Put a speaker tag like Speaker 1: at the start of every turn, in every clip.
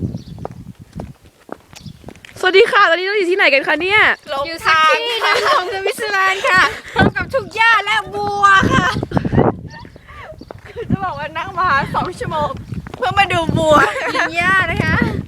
Speaker 1: สวัสดีค่ะตอนนี้เราอยู่ที่ไหนกันคะเนี่ย
Speaker 2: อยู่แท็กซี่นะของสวิตเซอร์แลนด์ค่ะพร้อมกับทุ่งหญ้าและบัวค่ะคือจะบอกว่านั่งมา2 ชั่วโมงเพื่อมาดูบัวกินหญ้านะคะ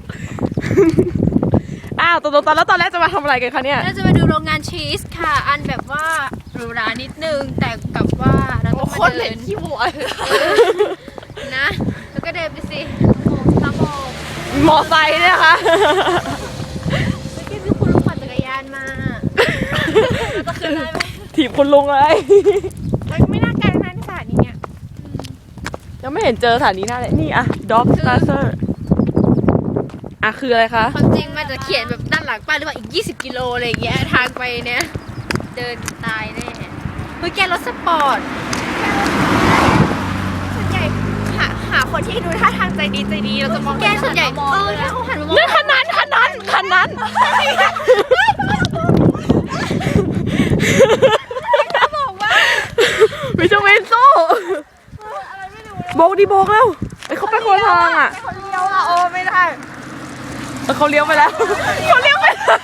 Speaker 1: อ้าวตอนแล้วตอนแรกจะมาทำอะไรกันคะเนี่ย
Speaker 2: เราจะมาดูโรงงานชีสค่ะอันแบบว่าหรูหรานิดนึงแต่กับว่าเราต้องมาเดินขี้บัวนะแล้วก็เดินไปสิตามอง
Speaker 1: มอไซค์เนี่ยค่ะ
Speaker 2: เมื่อกี้คือคุณลุงปั่นจักรยานมาเราจะขึ้นได้ไหม
Speaker 1: ถีบคุณลุงเลย
Speaker 2: มันไม่น่าไกลนะสถานีเนี่ย
Speaker 1: ยังไม่เห็นเจอสถานีหน้าเลยนี่อะ Dog Starter อะคืออะไรคะ
Speaker 2: ความจริงมันจะเขียนแบบด้านหลังป้ายหรือว่าอีก20 กิโลอะไรอย่างเงี้ยทางไปเนี่ยเดินตายแน่เฮ้ยแกรถสปอร์ตส่วนใหญ่หาคนที่ดูท่าทางใจดีเราจะมองแกส่วนใหญ่ถ้าเขาหันมามอง
Speaker 1: นี่คันนั้นวิจเวนโซ่โบกดิโบกแล้วไอ้เขาไปคนละทางอ่ะ
Speaker 2: เขาเลี้ยวอ่ะโอ้ไม่ได้
Speaker 1: เขาเลี้ยวไปแล้วเขาเลี้ยวไปแล้ว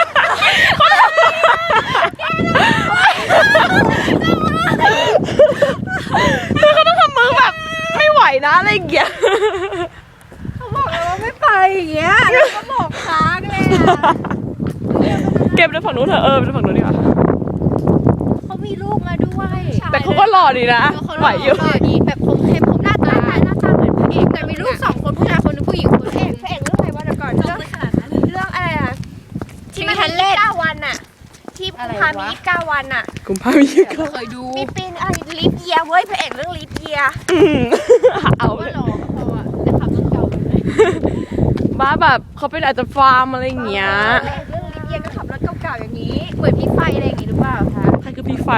Speaker 1: คือเขาต้องทำมือแบบไม่ไหวนะอะไรอย่างเงี้ย
Speaker 2: เขาบอกเลยว่าไม่ไปอย่างเงี้ยแล้วก็บอกค้างเลยอ่ะ
Speaker 1: เก็บไปฝั่งนู้นเถอะไปฝั่งนู้นดีกว่า
Speaker 2: เขามีลูกมาด้วย
Speaker 1: แต่เขาก็หล่อดีนะไหวอยู่
Speaker 2: ดีแบบผมเข้มผมหน้าตาเหมือนพระเอกแต่มีลูก2 คนผู้ชายคนนึงผู้หญิงคนพระเอกเรื่องอะไรวะเดี๋ยวก่อนเรื่องอะไรอ่ะที่มันทันเล่น9 วันอ่ะที่กุมภามี9 วันอ่ะ
Speaker 1: กุมภาพันธ์ยี่ก็
Speaker 2: เคยดูมีปีนอะไรลิฟเยียเว้ยพระเอกเรื่องลิฟเยีย
Speaker 1: เอาเล
Speaker 2: ว่าย หล่อก็พออ่ะแต่ขับรถเก่าเลย
Speaker 1: บ้าแบบเขาเป็นอาจจะฟาร์มอะไรอย่างเงี้ย
Speaker 2: เรื่องลิฟเยียก็ขับรถเก่าๆอย่างนี้เหมือนพี่ไฟอะไรอย่างงี้หรือเปล่าคะ
Speaker 1: ใครคือพี่ไฟ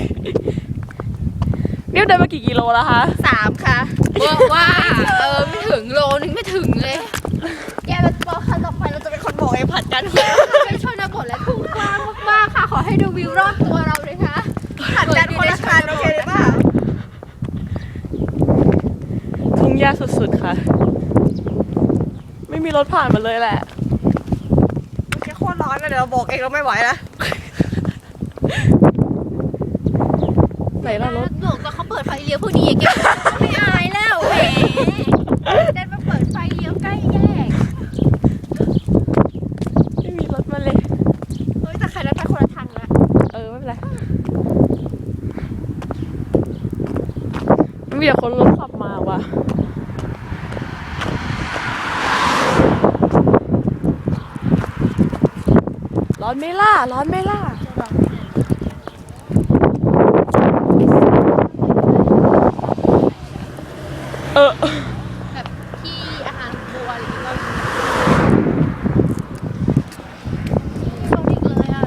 Speaker 1: เนี่ยเดินมากี่กิโลแล้วคะ
Speaker 2: 3 ค่ะว่าไม่ถึงโลนึงไม่ถึงเลยแกเราบอกครั้งต่อไปเราจะเป็นคนบอกเองผัดกันไม่ชนบทและทุ่งกว้างมากๆค่ะขอให้ดูวิวรอบตัวเราเลยค่ะผัดกันคนละคันโอเคหรือเปล่า
Speaker 1: ทุ่งหญ้าสุดๆค่ะ ไม่มีรถผ่านมาเลยแหละ
Speaker 2: แกโคตรร้อนนะเดี๋ยวเราบอกเองเราไม่ไหวแล้ว
Speaker 1: ไหนล่ะรถ
Speaker 2: บอกว่าเขาเปิดไฟเลี้ยวพวกนี้แกไม่อายแล้วแหมเดินมาเปิดไฟเลี้ยวใกล้แยก
Speaker 1: ไม่มีรถมาเลย
Speaker 2: เฮ้ยแต่ใครนั้นไปคนละทางแล้ว
Speaker 1: ไม่เป็นไรไม่มีแต่คนรถขับมาว่ะร้อนไหมล่ะร้อนไหมล่ะ
Speaker 2: แบบที่อาหารบัวอะไรอย่างเงี้ยชอบอีกเลยอ่ะ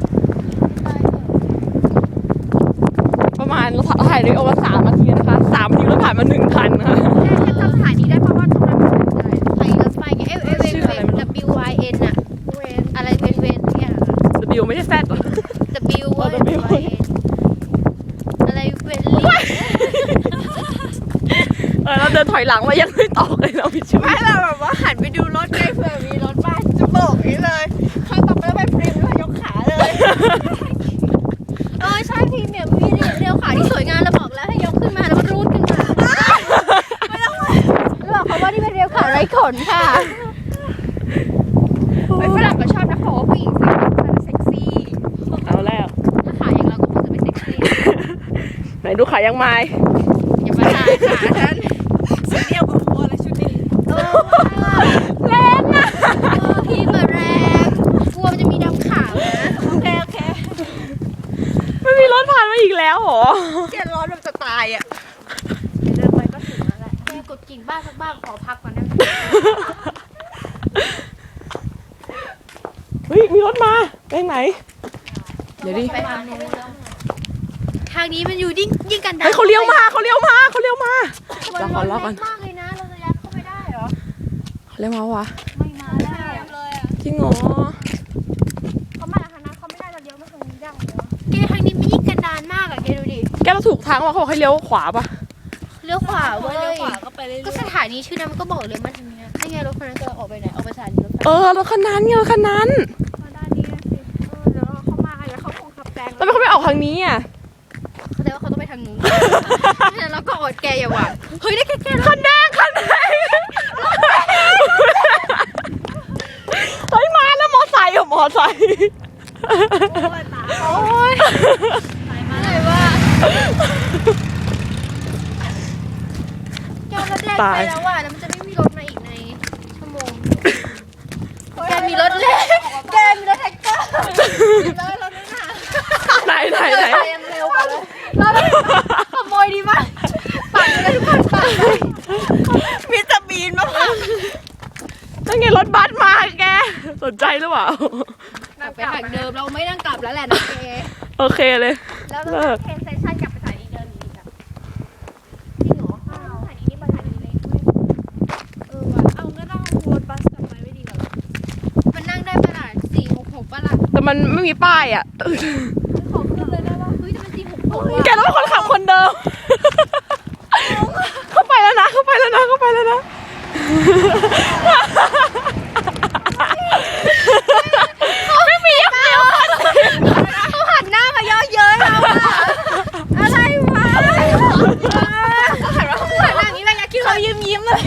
Speaker 1: ประมาณเราถ่ายด้วยโอเวอร์3 นาทีนะคะ3 นาทีรถผ่านมา1 คันนะคะ
Speaker 2: แค่จำสถานีได้เพราะว่าตรงนั้นไปรถไฟไงเวนWYN อะอะไรเวนเนี่ย
Speaker 1: W ไม่ใช่ Z หรอ
Speaker 2: W เว้ยอะไรเวนลี่
Speaker 1: เราเดินถอยหลังมายังไม่ตอกเลยเราผิดชื่อ
Speaker 2: ไม่เราแบบว่าหันไปดูรถไงเผื่อมีรถบ้านจะโบกนี้เลยข้างต่อไปแล้วไปพริมด้วยยกขาเลยใช่พริมเนี่ยมีเรียวขาที่สวยงามเราบอกแล้วให้ยกขึ้นมาแล้วรูดขึ้นมาไม่ต้องบอกเขาว่านี่เป็นเรียวขาไร้ขนค่ะไอ้ฝรั่งก็ชอบนะเขาว่าผู้หญิงเซ็กซี่
Speaker 1: เอาแล้ว
Speaker 2: ถ้าขาอย่างเราก็คงจะไม่เซ็กซี่
Speaker 1: ไหนดูขายังไม้
Speaker 2: อย่ามาถ่ายขาฉันสีเดียวกับโคอะไรชุดนี้แรงอ่ะพี่มาแรงกลัวมันจะมีดำขาวนะโอเค
Speaker 1: ไม่มีรถผ่านมาอีกแล้วเหรอ
Speaker 2: เจ็ดร้อนแบบจะตายอ่ะเดินไปก็ถึงแล้วแหละแกกดกิ่งบ้านสักบ้านขอพักก่อนนะ
Speaker 1: เฮ้ยมีรถมาไปไหนเดี๋ยวดิ
Speaker 2: ไปทางนู้นทางนี้มันอยู่ยิ่งกันดาร
Speaker 1: เฮ้ยเขาเลี้ยวมาเราขอรอก่อน
Speaker 2: มากเลยนะเราจะยัดเข้าไปได้เหรอ
Speaker 1: เขาเลี้ยวมาวะ
Speaker 2: ไม่มาแล้วเลยอ่ะ
Speaker 1: จริงเหรอ
Speaker 2: เขามาทางนั้นเขาไม่ได้เราเลี้ยวมาทางนี้ได้เหรอแกทางนี้มันยิ่งกันดารมากอ่ะแกดูดิ
Speaker 1: แกเราถูกทางว่าเขาบอกให้เลี้ยวขวาปะ
Speaker 2: เลี้ยวขวาเว้ยก็สถานีชื่อนั้นมันก็บอกเลยมาทางนี้ไงรถคันนั้นจะออกไปไหนออกไปสถานีรถไฟ
Speaker 1: รถคันนั้นไงรถคันนั้น
Speaker 3: มาด้านนี้นะสิเดี๋ยวเขามาแล้วเขาคงขับแซง
Speaker 1: แล้วทำไมเขาไม่ออกทางนี้อ่ะ
Speaker 2: เขาแต่ว่าเขาต้องไปทางนู้นไม่งั้นเราก็อดแกอย่าหวังเฮ้ยได้แก
Speaker 1: คันแดงคันแดงเฮ้ยมาแล้วมอไซค์มอไซค์
Speaker 2: โอ้ยอะไรวะแกรถแรกไปแล้วว่ะแล้วมันจะไม่มีรถมาอีกในชั่วโมงแกมีรถเล็กแกมีรถแท็กเตอร์แล้วรถนั่นน่ะ
Speaker 1: ไหน
Speaker 2: ไปยังเร็วกว่าเลยเราขโมยดีมากปั่นเลยทุกคนปั่นเลย
Speaker 1: มิสเตอร์บีนมาพังนั่นไงรถบัสมาแกสนใจหรือเปล่า
Speaker 2: ไปทางเดิมเราไม่นั่งกลับแล้วแหละนะแก
Speaker 1: โอเคเลย
Speaker 3: แล้วเราเทนเซชั่นกลับไปสถานีเดิมอีกอ่ะ
Speaker 2: จริงเหรอ
Speaker 3: สถานีนี้มาสถานีเล็กด้วยว่ะเอางั้นเราวนบัสกลับไปไม่ดีกว่า
Speaker 2: มันนั่งได้ประมาณ466ป่ะล่ะ
Speaker 1: แต่มันไม่มีป้ายอ่ะ
Speaker 3: ขอขึ้นเลยได้ป่ะ
Speaker 2: เฮ้ยแต่มัน466
Speaker 1: แกต้องเป็นคนขับคนเดิม เข้าไปแล้วนะ ไม่มียังเร็ว
Speaker 2: เขาหันหน้ามาเยอะเย้ยเราอะอะไรวะเขาหันหน้าอย่างนี้เลยนะคิดเขายิ้มเลย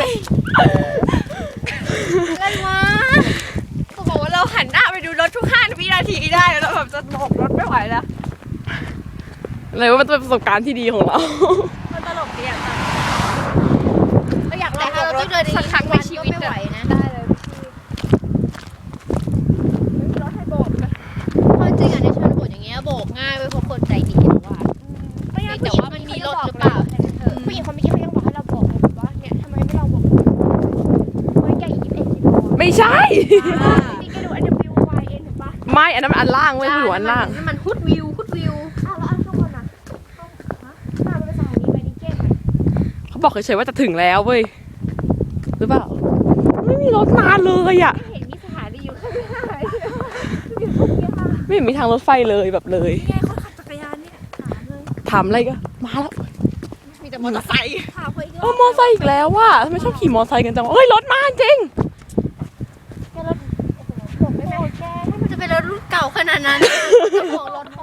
Speaker 2: อะไรวะ
Speaker 3: เขาบอกว่าเราหันหน้าไปดูรถทุก5 วินาทีได้แล้วแบบจะบอกรถไม่ไหวแล้ว
Speaker 1: อะไรว่ามันเป็นประสบการณ์ที่ดีของเรา
Speaker 3: มันตลกดีอ่ะเราอยากล
Speaker 2: แต่
Speaker 3: อง
Speaker 2: ถ้าเรา
Speaker 3: ร
Speaker 2: ต้
Speaker 3: ถ
Speaker 2: องเดิน
Speaker 3: สักครั้งในชีวิต
Speaker 2: ไม่ไหวนะ
Speaker 3: ได้เลยพี่รถให้โบกนะ
Speaker 2: เพราะจริงอ่ะในชนบทอย่างเงี้ยโบกง่ายเว้ยเพราะคนใจดีว่าแต่ว่ามันมีรถหรือเปล่า
Speaker 3: ผู้หญิงคนเมื่อกี้เขายังบอกให้เราบอกเลยว่าเนี่ยทำไมไม่ลองบอกเฮ้ยแกอีก21กิโล
Speaker 1: ไม่ใช่
Speaker 3: นี่แกดู NWYN เห็นปะ
Speaker 1: ไม่ อันนั้นมันอันล่างเว้ยผู้หญิงอันล่าง
Speaker 2: นี่มันฮุดวิว
Speaker 3: อ้าวแล้วอันข้างบนอ่ะมาเป็นสถานีไปนิเกตไหม
Speaker 1: เขาบอกเฉยๆว่าจะถึงแล้วเว้ย หรือเปล่า ไม่มีรถมาเลยอ่ะ
Speaker 3: ไม่เห็นมีสถานีอยู่ข้างหน้าเลยอยู่ตรงนี้ค่ะ
Speaker 1: ไม่เห็นมีทางรถไฟเลยแบบเลย
Speaker 3: นี่ไงคนขับจักรยานเนี่ยถามเลย
Speaker 1: ถามอะไรก็มาแล้ว
Speaker 2: มีแต่มอเตอร์ไซค์
Speaker 3: ถามเขาอีก
Speaker 1: มอไซค์อีกแล้วว่ะทำไมชอบขี่มอไซค์กันจังวะเฮ้ยรถมาจริง
Speaker 3: แกรถโอ้โหบอกได้ไหมแกถ้ามัน
Speaker 2: จะเป็นรถรุ่นเก่าขนาดนั้นจะบอกรถเขา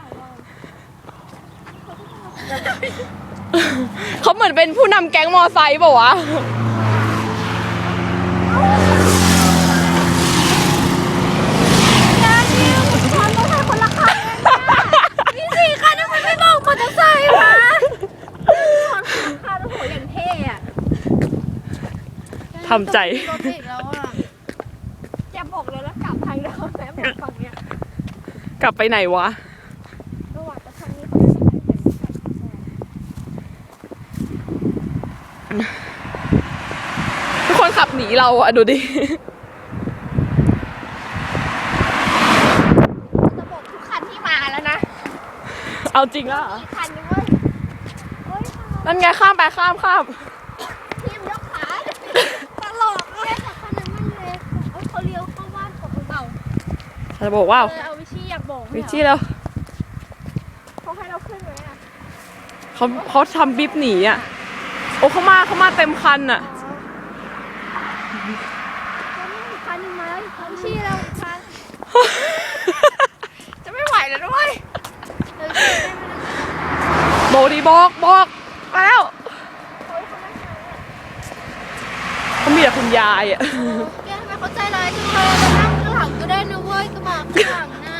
Speaker 1: เขาเหมือนเป็นผู้นำแก๊งมอไซค์เปล่าวะ
Speaker 2: มี4 คันทำไมไม่บอกมอเตอร์ไซค์วะ
Speaker 3: คาร์โอ้โหอย่างเท่อะ
Speaker 1: ทำใจ
Speaker 2: รถติดแล้วอ่ะ
Speaker 3: แกบอกเลยแล้วกลับทางเดิมแม่บอกฝั่งเนี้ย
Speaker 1: กลับไปไหนวะ
Speaker 3: ระหว่างจะทางนี้เขาจะใช้
Speaker 1: ทุกคนขับหนีเราอะดูดิ
Speaker 3: จะบอกทุกคันที่มาแล้วนะ
Speaker 1: เอาจริงแล้วเหรอ
Speaker 3: อีกคันนึงเว้ยเฮ้ย
Speaker 1: นั่นไงข้ามไปข้าม
Speaker 3: ทีมยกขาตลกเลยแต่คันนั้นมันเล็กเขาเลี้ยวเข้าบ้านของเบา
Speaker 1: จะบอกว่า
Speaker 3: เอาวิชี่อยากบอก
Speaker 1: วิชี่แล้ว
Speaker 3: เขาให้เราขึ้นไหมอ่ะ
Speaker 1: เขาทำบิ๊บหนีอะโอ้เขามาเต็มคันอะ
Speaker 3: อีกคันนึงมาแล้วอีกคันวิชี่เราอีกคันจะไม่ไหวแล้วด้วย
Speaker 1: บอกดีบอกแล้วเขามีแต่คุณยายอะ
Speaker 2: แกทำไมเขาใจร้ายจังเลยมานั่งข้างหลังก็ได้นะเว้ยกระบะข้างหลังน่ะ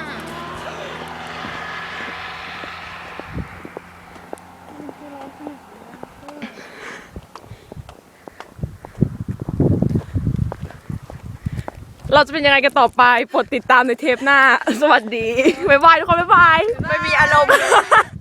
Speaker 1: เราจะเป็นยังไงกันต่อไปโปรดติดตามในเทปหน้า สวัสดี บ๊ายบายทุกคน บ๊ายบาย
Speaker 3: ไม่มีอารมณ์